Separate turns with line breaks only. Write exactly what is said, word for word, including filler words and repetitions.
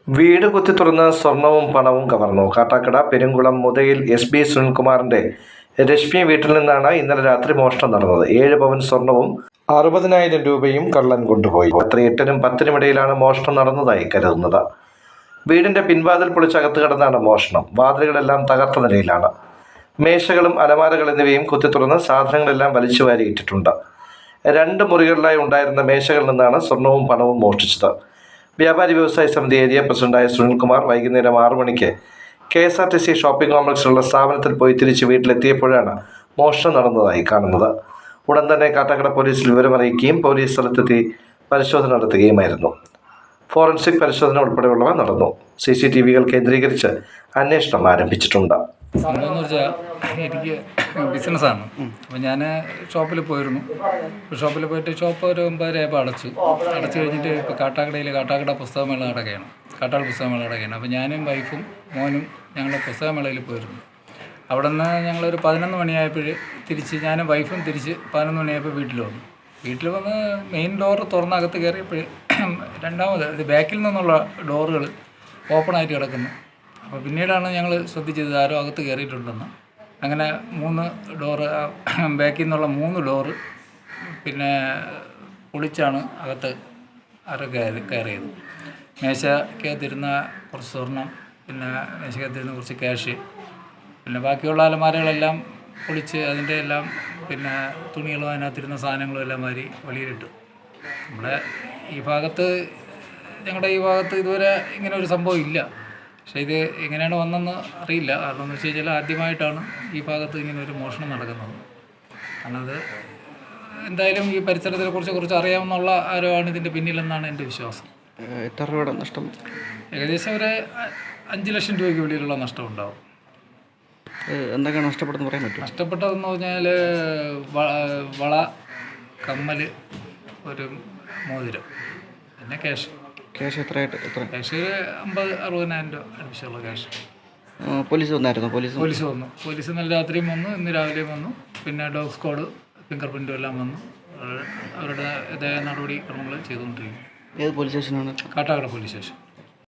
വീട് കുത്തിത്തുറന്ന് സ്വർണവും പണവും കവർന്നു. കാട്ടാക്കട പെരുങ്കുളം മുതയിൽ എസ് ബി സുനിൽകുമാറിന്റെ രശ്മി വീട്ടിൽ നിന്നാണ് ഇന്നലെ രാത്രി മോഷണം നടന്നത്. ഏഴ് പവൻ സ്വർണവും അറുപതിനായിരം രൂപയും കള്ളൻ കൊണ്ടുപോയി. രാത്രി എട്ടിനും പത്തിനും ഇടയിലാണ് മോഷണം നടന്നതായി കരുതുന്നത്. വീടിന്റെ പിൻവാതിൽ പൊളിച്ചകത്ത് കിടന്നാണ് മോഷണം. വാതിലുകളെല്ലാം തകർത്ത നിലയിലാണ്. മേശകളും അലമാരകൾ എന്നിവയും കുത്തിത്തുറന്ന് സാധനങ്ങളെല്ലാം വലിച്ചുവാരി ഇട്ടിട്ടുണ്ട്. രണ്ട് മുറികളിലായി ഉണ്ടായിരുന്ന മേശകളിൽ നിന്നാണ് സ്വർണവും പണവും മോഷ്ടിച്ചത്. വ്യാപാരി വ്യവസായ സമിതി ഏരിയ പ്രസിഡന്റായ സുനിൽകുമാർ വൈകുന്നേരം ആറു മണിക്ക് K S R T C shopping കോംപ്ലക്സിലുള്ള സ്ഥാപനത്തിൽ പോയി തിരിച്ച് വീട്ടിലെത്തിയപ്പോഴാണ് മോഷണം നടന്നതായി കാണുന്നത്. ഉടൻ തന്നെ കാട്ടാക്കട പോലീസിൽ വിവരമറിയിക്കുകയും പോലീസ് സ്ഥലത്തെത്തി പരിശോധന നടത്തുകയുമായിരുന്നു. ഫോറൻസിക് പരിശോധന ഉൾപ്പെടെയുള്ളവ നടന്നു. സി സി ടി വികൾ കേന്ദ്രീകരിച്ച് അന്വേഷണം ആരംഭിച്ചിട്ടുണ്ട്.
സംഭവം വെച്ചാൽ എനിക്ക് ബിസിനസ്സാണ്. അപ്പോൾ ഞാൻ ഷോപ്പിൽ പോയിരുന്നു. ഷോപ്പിൽ പോയിട്ട് ഷോപ്പ് ഒരു ഒമ്പതരയായപ്പോൾ അടച്ചു അടച്ചു കഴിഞ്ഞിട്ട് ഇപ്പോൾ കാട്ടാക്കടയിൽ കാട്ടാക്കട പുസ്തകമേള നടക്കുകയാണ്. കാട്ടാട് പുസ്തകമേള നടക്കുകയാണ്. അപ്പോൾ ഞാനും വൈഫും മോനും ഞങ്ങൾ പുസ്തകമേളയിൽ പോയിരുന്നു. അവിടെ നിന്ന് ഞങ്ങളൊരു പതിനൊന്ന് മണിയായപ്പോൾ തിരിച്ച് ഞാനും വൈഫും തിരിച്ച് പതിനൊന്ന് മണിയായപ്പോൾ വീട്ടിൽ വന്നു. വീട്ടിൽ വന്ന് മെയിൻ ഡോർ തുറന്നകത്ത് കയറിയപ്പോൾ രണ്ടാമത് ഇത് ബാക്കിൽ നിന്നുള്ള ഡോറുകൾ ഓപ്പണായിട്ട് കിടക്കുന്നു. അപ്പോൾ പിന്നീടാണ് ഞങ്ങൾ ശ്രദ്ധിച്ചത് ആരോ അകത്ത് കയറിയിട്ടുണ്ടെന്ന്. അങ്ങനെ മൂന്ന് ഡോറ് ബാക്കിൽ നിന്നുള്ള മൂന്ന് ഡോറ് പിന്നെ പൊളിച്ചാണ് അകത്ത് ആരോ കയറി കയറിയത്. മേശക്കകത്തിരുന്ന കുറച്ച് സ്വർണം, പിന്നെ മേശക്കകത്തിരുന്ന കുറച്ച് ക്യാഷ്, പിന്നെ ബാക്കിയുള്ള അലമാരകളെല്ലാം പൊളിച്ച് അതിൻ്റെ എല്ലാം പിന്നെ തുണികളും അതിനകത്തിരുന്ന സാധനങ്ങളും എല്ലാം മാറി വെളിയിലിട്ടു. നമ്മുടെ ഈ ഭാഗത്ത് ഞങ്ങളുടെ ഈ ഭാഗത്ത് ഇതുവരെ ഇങ്ങനെ ഒരു സംഭവം ഇല്ല. പക്ഷേ ഇത് എങ്ങനെയാണ് വന്നതെന്ന് അറിയില്ല. കാരണം എന്ന് വെച്ച് കഴിഞ്ഞാൽ ആദ്യമായിട്ടാണ് ഈ ഭാഗത്ത് ഇങ്ങനെ ഒരു മോഷണം നടക്കുന്നത്. കാരണം അത് എന്തായാലും ഈ പരിസരത്തിനെ കുറിച്ച് കുറിച്ച് അറിയാവുന്നുള്ള ആരോ ആണ് ഇതിൻ്റെ പിന്നിലെന്നാണ് എൻ്റെ വിശ്വാസം.
എത്ര രൂപയുടെ നഷ്ടം?
ഏകദേശം ഒരു അഞ്ച് ലക്ഷം രൂപയ്ക്ക് വെളിയിലുള്ള നഷ്ടം ഉണ്ടാവും.
എന്തൊക്കെയാണ് നഷ്ടപ്പെട്ടതെന്ന് പറയാൻ പറ്റും?
നഷ്ടപ്പെട്ടതെന്ന് പറഞ്ഞാൽ വള, കമ്മൽ, ഒരു മോതിരം, പിന്നെ ക്യാഷ്.
ക്യാഷ് എത്രയായിട്ട്? എത്ര
ക്യാഷ് അമ്പത് അറുപതിനായിരം രൂപ അടുപ്പിച്ചുള്ള ക്യാഷ്.
പോലീസ് വന്നായിരുന്നു? പോലീസ്
പോലീസ് വന്നു. പോലീസ് ഇന്നലെ രാത്രിയും വന്നു, ഇന്ന് രാവിലെയും വന്നു. പിന്നെ ഡോഗ് സ്ക്വാഡ്, ഫിംഗർ പ്രിൻറ്റും എല്ലാം വന്നു. അവരുടെ ഇതേ നടപടി ക്രമങ്ങൾ ചെയ്തുകൊണ്ടിരിക്കും.
ഏത് പോലീസ് സ്റ്റേഷനാണ്?
Kattakada police station.